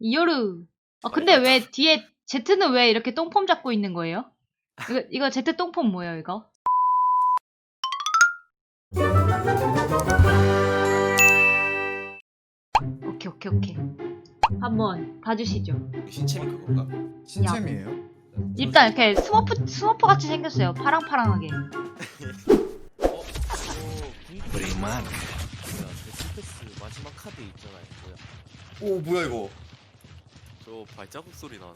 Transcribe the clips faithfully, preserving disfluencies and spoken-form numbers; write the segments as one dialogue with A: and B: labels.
A: 이요르. 아 근데 왜 뒤에 Z는 왜 이렇게 똥폼 잡고 있는 거예요? 이거 이거 Z 똥폼 뭐예요 이거? 오케이 오케이 오케이. 한번 봐주시죠.
B: 신체미 그건가?
C: 신챔이에요?
A: 일단 이렇게 스머프 스머프 같이 생겼어요. 파랑파랑하게.
D: 어?
B: 브레이만.
D: 패스 마지막 카드 있잖아요. 뭐야?
B: 오 뭐야 이거?
D: 저 발자국 소리 나는.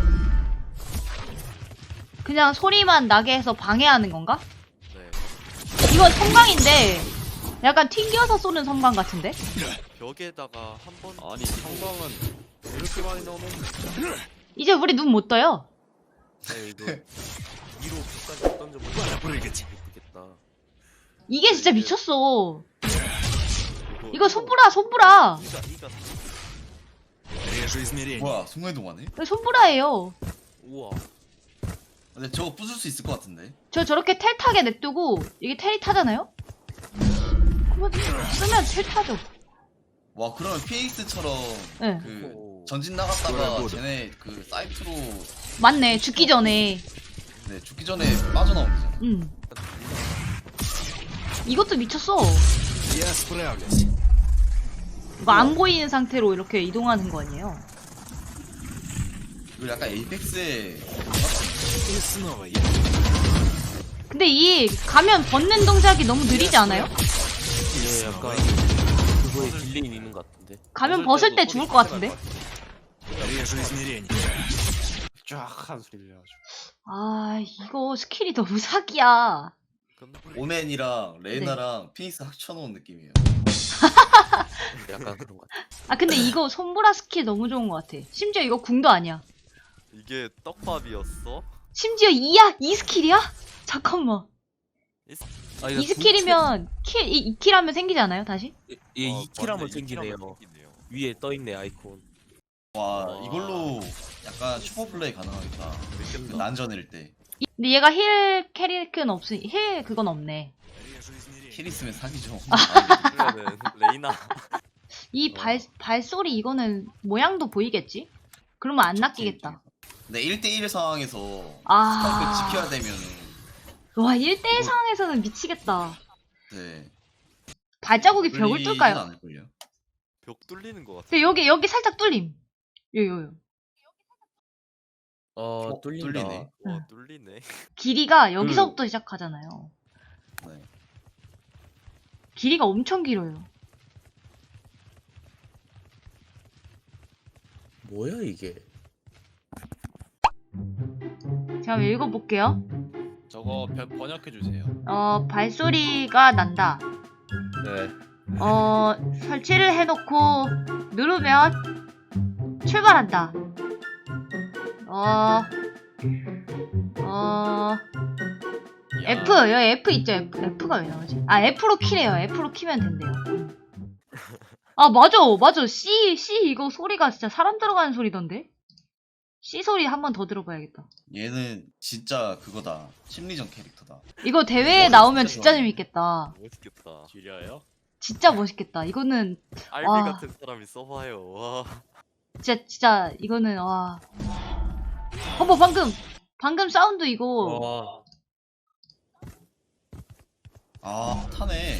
A: 그냥 소리만 나게 해서 방해하는 건가?
D: 네.
A: 이건 섬광인데 약간 튕겨서 쏘는 섬광 같은데?
D: 벽에다가 한 번. 아니 성광은 이렇게 많이 나오면.
A: 이제 우리 눈 못 떠요.
D: 네 이거 위로 끝까지 던져보면
B: 모르겠지.
D: 예쁘겠다.
A: 이게 진짜 미쳤어.
D: 이거,
A: 이거 손브라 손브라.
D: 이가 이가.
B: Режу измерение.
C: 뭐야 순간이동하네?
A: 이거 손브라예요.
D: 우와.
C: 근데 저거 부술 수 있을 것 같은데?
A: 저 저렇게 텔 타게 냅두고 이게 텔이 타잖아요? 그러면 쓰면 텔 타죠.
C: 와 그러면 피닉스처럼
A: 네.
C: 그
D: 오.
C: 전진
B: 뭐야,
C: 나갔다가
B: 뭐야.
C: 쟤네 그 사이트로
A: 맞네. 죽기 전에.
C: 네, 죽기 전에 빠져나오면 되잖아.
A: 음. 이것도 미쳤어.
B: Я справлюсь.
A: 이거 안 보이는 상태로 이렇게 이동하는 거 아니에요?
C: 이거 약간 에이펙스의
B: И снова я.
A: 근데 이 가면 벗는 동작이 너무 느리지 않아요?
D: 예, 약간 그거에 딜레이 있는 것 같은데.
A: 가면 벗을 때 죽을 것 같은데?
B: Режу измерение.
D: 쫙한 소리 들려가지고.
A: 아 이거 스킬이 너무 사기야.
C: 오맨이랑 레이나랑 피닉스 합쳐놓은 느낌이에요.
D: 약간 그런 것 같아.
A: 아 근데 이거 손보라 스킬 너무 좋은 것 같아. 심지어 이거 궁도 아니야.
D: 이게 떡밥이었어?
A: 심지어 이야? 이 스킬이야? 잠깐만.
D: 아,
A: 이 스킬이면 킬, 이, 이 킬 하면 생기지 않아요? 다시?
D: 얘
E: 어,
D: 이 킬 하면
E: 맞네,
D: 생기네요.
E: 생기네요.
D: 위에 떠있네 아이콘.
C: 와
D: 와.
C: 이걸로 약간 슈퍼플레이 가능하겠다. 그
E: 재밌겠다.
C: 난전일 때.
A: 이- 근데 얘가 힐 캐릭은 없으니 힐 그건 없네.
B: Режу измерение.
C: 킬 있으면 사기죠.
D: 그러면은 레이나.
A: 이
D: 어.
A: 발 발소리 이거는 모양도 보이겠지? 그러면 안 낚이겠다.
C: 근데 일 대 일 상황에서
A: 아.
C: 스파이크 지켜야 되면은
A: 와 일 대일
C: 이거-
A: 상황에서는 미치겠다.
C: 네.
A: 발자국이 벽을
C: 뚫리진
A: 뚫까요?
C: 않을걸요?
E: 벽 뚫리는 것 같아.
A: 근데 여기 여기 살짝 뚫림. 요요요.
D: 어,
C: 어,
D: 뚫린다.
C: 뚫리네.
E: 와
A: 응.
E: 뚫리네.
A: 길이가 여기서부터 시작하잖아요.
C: 네.
A: 길이가 엄청 길어요.
D: 뭐야 이게?
A: 제가 한번 읽어볼게요.
E: 저거 벽 번역해 주세요.
A: 어 발소리가 난다.
D: 네.
A: 어 설치를 해놓고 누르면 출발한다. 어, 어, F, 여기 F 있죠? F, F가 왜 나오지? 아, F로 키래요. F로 키면 된대요. 아, 맞아, 맞아. C, C 이거 소리가 진짜 사람 들어가는 소리던데? C 소리 한 번 더 들어봐야겠다.
C: 얘는 진짜 그거다. 심리전 캐릭터다.
A: 이거 대회에
C: 어,
A: 나오면
C: 진짜
A: 진짜
C: 좋아하네.
A: 재밌겠다.
E: 멋있겠다.
D: 지려요?
A: 진짜 멋있겠다. 이거는
E: 알비
A: 와.
E: 같은 사람이 써봐요. 와.
A: 진짜, 진짜, 이거는, 와. 어머, 방금, 방금 사운드 이거.
D: 와.
C: 아 타네.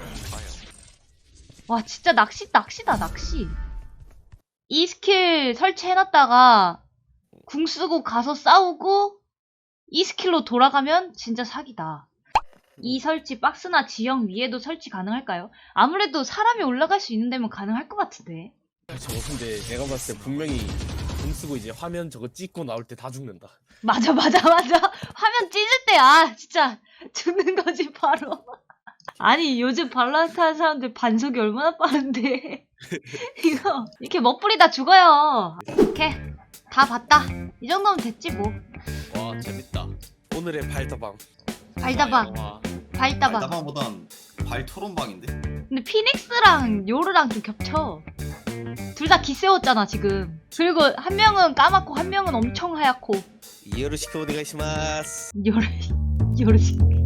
A: 와 진짜 낚시 낚시다 낚시. 이 스킬 설치해놨다가 궁 쓰고 가서 싸우고 이 스킬로 돌아가면 진짜 사기다. 이 설치 박스나 지형 위에도 설치 가능할까요? 아무래도 사람이 올라갈 수 있는 데면 가능할 것 같은데.
F: 저거 근데 내가 봤을 때 분명히 공 쓰고 이제 화면 저거 찍고 나올 때 다 죽는다.
A: 맞아 맞아 맞아. 화면 찢을 때 아 진짜 죽는 거지 바로. 아니 요즘 발로란트 하는 사람들 반속이 얼마나 빠른데. 이거 이렇게 멋부리다 죽어요. 오케이 다 봤다. 이 정도면 됐지 뭐.
D: 와 재밌다.
F: 오늘의 발더방.
A: 발다방
E: 와.
A: 발다방.
C: 나방보단 발 토론방인데.
A: 근데 피닉스랑 요르랑 좀 겹쳐. 둘 다 기세웠잖아 지금. 그리고 한 명은 까맣고 한 명은 엄청 하얗고.
D: 이해로 시켜보내가 시마스.
A: 요르 요르